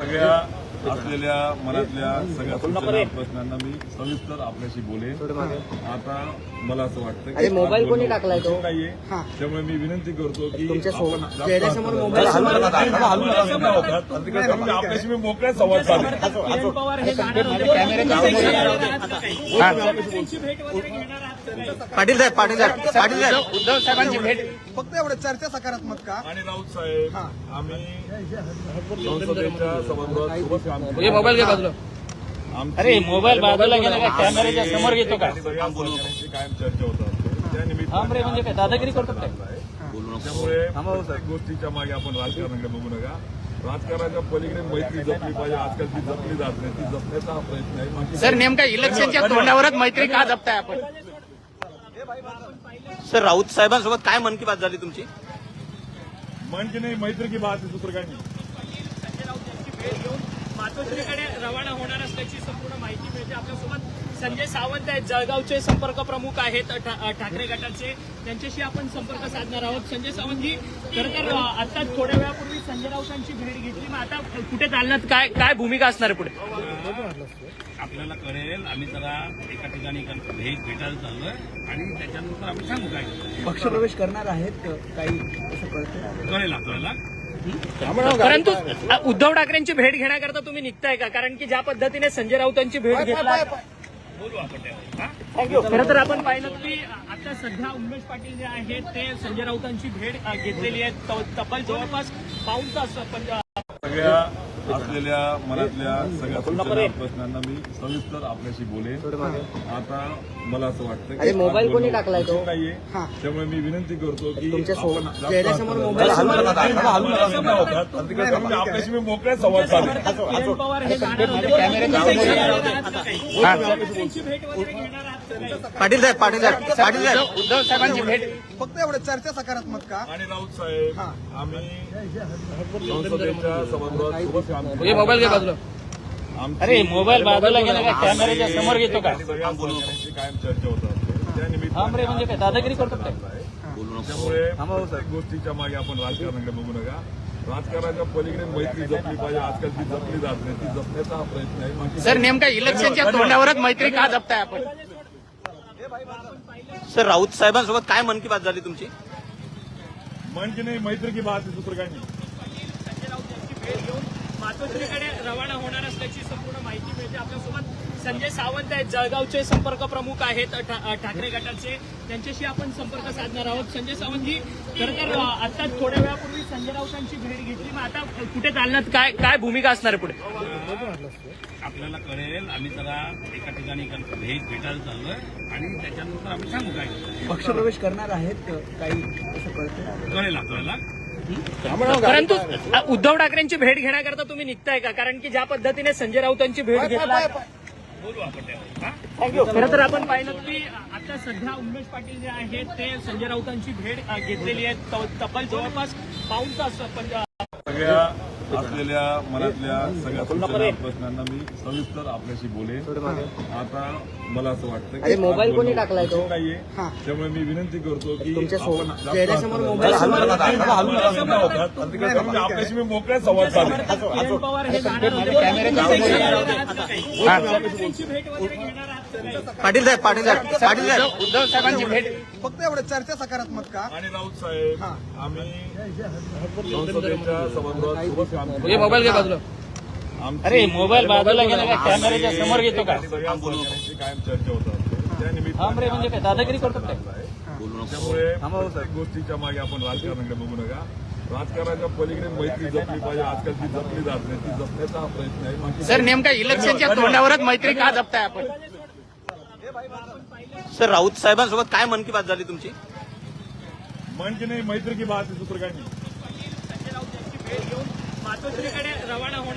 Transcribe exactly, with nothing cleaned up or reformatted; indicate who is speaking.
Speaker 1: सगळ्या असलेल्या मनातल्या सगळ्या सूचना प्रश्नांना मी सविस्तर आपल्याशी बोलेन. आता मला असं वाटतं की
Speaker 2: मोबाईल कोणी टाकलाय तो
Speaker 1: नाहीये, त्यामुळे मी विनंती करतो की
Speaker 2: चेहऱ्यासमोर मोबाईल
Speaker 1: आपल्याशी मी मोकळ्या संवाद साधेन.
Speaker 2: पाटील साहेब पाटील साहेब पाटील साहेब
Speaker 3: उद्धव साहेबांची भेट फक्त एवढं चर्चा सकारात्मक का?
Speaker 1: आणि राऊत साहेब आम्ही संसदेच्या सभागृहात सोबत काम केलं.
Speaker 3: हे मोबाईल घे बाजूला.
Speaker 1: आमची
Speaker 3: अरे मोबाईल बाजूला गेला का कॅमेऱ्याच्या समोर घेतो का?
Speaker 1: सगळ्या सहकाऱ्यांची कायम चर्चा होतात. त्या
Speaker 3: थांब रे, म्हणजे काय दादागिरी करतो काय?
Speaker 1: त्यामुळे प्रत्येक गोष्टीच्या मागे आपण राजकारणाकडे बघू नका. राजकारणाच्या पलीकडे मैत्री जपली पाहिजे. आजकाल ती जपली जात नाही, ती जपण्याचा हा प्रयत्न आहे. बाकी
Speaker 3: सर नेमका इलेक्शनच्या तोंडावरच मैत्री का जपताय आपण?
Speaker 2: सर राऊत साहेबांसोबत काय मन की बात झाली तुमची?
Speaker 1: म्हणजे नाही, मैत्री की बात आहे, दुसरं काही नाही.
Speaker 4: संजय राऊत यांची भेट घेऊन मातोश्रीकडे रवाना होणार असल्याची संपूर्ण माहिती मिळते. आपल्यासोबत संजय सावंत आहेत, जळगावचे संपर्क प्रमुख आहेत ठा- ठाकरे गटाचे. त्यांच्याशी आपण संपर्क साधणार आहोत. संजय सावंतजी, खरं तर आता थोड्या वेळापूर्वी संजय राऊतांची भेट घेतली, मग आता कुठे चालण्यात काय काय भूमिका असणार आहे पुढे?
Speaker 5: आपल्याला कळेल. आम्ही जरा एका ठिकाणी भेट भेटायला चाललोय आणि त्याच्यानंतर आम्ही सांगू काय
Speaker 3: पक्षप्रवेश करणार आहेत काही असं कळतं?
Speaker 5: कळेल आपल्याला.
Speaker 4: परंतु उद्धव ठाकरेंची भेट घेण्याकरता तुम्ही निघताय का? कारण की ज्या पद्धतीने संजय राऊतांची भेट घेतला,
Speaker 5: बोलू आपण त्यावर.
Speaker 4: खरं तर आपण पाहिलं की आता सध्या उमेश पाटील जे आहेत ते संजय राऊतांची भेट अ, घेतलेली आहे. त- तब्बल जवळपास पाऊण तास पण अ,
Speaker 1: सगळ्या असलेल्या मनातल्या सगळ्या सूचना प्रश्नांना मी सविस्तर आपल्याशी बोलेन. आता मला असं वाटतं की
Speaker 2: मोबाईल कोणी टाकलाय तो?
Speaker 1: नाहीये, त्यामुळे मी विनंती करतो की
Speaker 2: चेहऱ्यासमोर मोबाईल
Speaker 1: आपल्याशी मी मोकळ्या संवाद साधेन.
Speaker 4: किरण पवार हे जाणार होते. त्यांची भेट वगैरे घेणार आहात का काही?
Speaker 2: पाटील साहेब पाटील साहेब पाटील साहेब
Speaker 3: उद्धव साहेबांची भेट फक्त एवढं चर्चा सकारात्मक का?
Speaker 1: आणि राऊत साहेब आम्ही संसदेच्या सभागृहात सोबत काम केलं.
Speaker 3: हे मोबाईल घे बाजूला.
Speaker 1: आमची
Speaker 3: अरे मोबाईल बाजूला गेला का कॅमेऱ्याच्या समोर घेतो का?
Speaker 1: सगळ्या सहकाऱ्यांची कायम चर्चा होतात. त्या
Speaker 3: थांब रे,
Speaker 1: निमित्ताने
Speaker 3: म्हणजे काय दादागिरी करतो काय?
Speaker 1: त्यामुळे प्रत्येक गोष्टीच्या मागे आपण राजकारणाकडे बघू नका. राजकारणाच्या पलीकडे मैत्री जपली पाहिजे. आजकाल ती जपली जात नाही, ती जपण्याचा हा प्रयत्न आहे. बाकी
Speaker 3: सर नेमका इलेक्शनच्या तोंडावरच मैत्री का जपताय आपण?
Speaker 2: सर राऊत साहेबांसोबत काय मन की बात झाली तुमची?
Speaker 1: म्हणजे नाही, मैत्री की बात आहे, दुसरं काही नाही.
Speaker 4: संजय राऊत यांची भेट घेऊन मातोश्रीकडे रवाना होणार असल्याची संपूर्ण माहिती मिळते. आपल्यासोबत संजय सावंत आहेत, जळगावचे संपर्क प्रमुख आहेत ठा- ठाकरे गटाचे. त्यांच्याशी आपण संपर्क साधणार आहोत. संजय सावंतजी, खरं तर आता थोड्या वेळापूर्वी संजय राऊतांची भेट घेतली, मग आता कुठे चालण्यात काय काय भूमिका असणार आहे पुढे?
Speaker 5: आपल्याला कळेल. आम्ही जरा एका ठिकाणी भेट भेटायला चाललोय आणि त्याच्यानंतर आम्ही सांगू काय
Speaker 3: पक्षप्रवेश करणार आहेत काही असं कळतं?
Speaker 5: कळेल आपल्याला.
Speaker 4: परंतु उद्धव ठाकरेंची भेट घेण्याकरता तुम्ही निघताय का? कारण की ज्या पद्धतीने संजय राऊतांची भेट घेतला,
Speaker 5: बोलू आपण त्यावर.
Speaker 4: खरं तर आपण पाहिलं की आता सध्या उमेश पाटील जे आहेत ते संजय राऊतांची भेट अ, घेतलेली आहे. त- तब्बल जवळपास पाऊण तास पण अ,
Speaker 1: सगळ्या असलेल्या मनातल्या सगळ्या सूचना प्रश्नांना मी सविस्तर आपल्याशी बोलेन. आता मला असं वाटतं की
Speaker 2: मोबाईल कोणी टाकलाय तो?
Speaker 1: नाहीये, त्यामुळे मी विनंती करतो की
Speaker 2: चेहऱ्यासमोर मोबाईल
Speaker 1: आपल्याशी मी मोकळ्या संवाद साधेन.
Speaker 4: किरण पवार हे जाणार होते. त्यांची भेट वगैरे घेणार आहात का काही?
Speaker 2: पाटील साहेब पाटील साहेब पाटील साहेब
Speaker 3: उद्धव साहेबांची भेट फक्त एवढं चर्चा सकारात्मक का?
Speaker 1: आणि राऊत साहेब आम्ही संसदेच्या सभागृहात सोबत काम केलं.
Speaker 3: हे मोबाईल घे बाजूला.
Speaker 1: आमची
Speaker 3: अरे मोबाईल बाजूला गेला का कॅमेऱ्याच्या समोर घेतो का?
Speaker 1: सगळ्या सहकाऱ्यांची कायम चर्चा होतात. त्या
Speaker 3: थांब रे,
Speaker 1: निमित्ताने
Speaker 3: म्हणजे काय दादागिरी करतो काय?
Speaker 1: त्यामुळे प्रत्येक गोष्टीच्या मागे आपण राजकारणाकडे बघू नका. राजकारणाच्या पलीकडे मैत्री जपली पाहिजे. आजकाल ती जपली जात नाही, ती जपण्याचा हा प्रयत्न आहे. बाकी
Speaker 3: सर नेमका इलेक्शनच्या तोंडावरच मैत्री का जपताय आपण?
Speaker 2: सर राऊत साहेबांसोबत काय मन की बात झाली तुमची?
Speaker 1: म्हणजे नाही, मैत्री की बात आहे, दुसरं काही नाही.
Speaker 4: संजय राऊत यांची भेट घेऊन मातोश्रीकडे रवाना होणार